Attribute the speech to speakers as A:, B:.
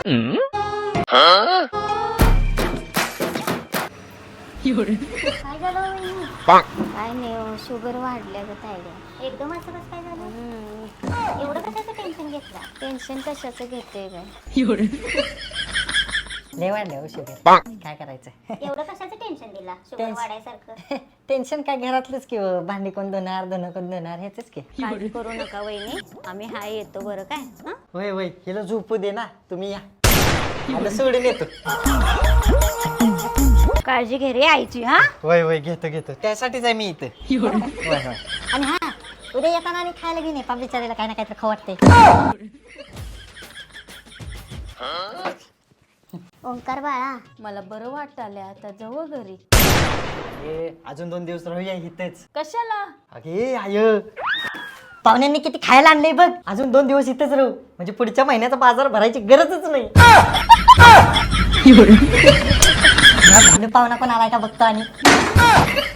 A: काय झालं वहिनी? काय नाही शुगर वाढल्या ग तायडे एकदम असं कसं काय झालं? एवढं कशाचं टेन्शन घेतलं? टेन्शन कशाचं घेते ग?
B: लय वाढल्या शुगर काय करायचं
A: एवढं कशाचं टेन्शन दिला शुगर वाढायसारखं?
B: टेन्शन काय घरातलंच की हो. भांडी कोण धुणार धुणं कोण धुणार हेच की.
A: काळजी करू नका वहिनी आम्ही हाय येतो बरं काय हं?
B: होय होय हिला झोपू दे ना तुम्ही या आता सोडून येतो.
A: काळजी घे रे आईची हा.
B: होय होय घेतो घेतो त्यासाठीच आहे मी इथं. होय होय
A: आणि हा उद्या येताना आणि खायला घेऊन ये बिचारीला काय ना काहीतरी खाऊ वाटते. ओंकार बाळा मला बरं वाटायला आता जाऊ घरी.
B: अजून 2 दिवस राहूया इथेच.
A: कशाला?
B: अगे आय पाहुण्यांनी किती खायला आणलंय बघ. अजून 2 दिवस इथेच राहू म्हणजे पुढच्या महिन्याचा बाजार भरायची गरजच नाही. पाहुणा पण आलाय का बघतो आणि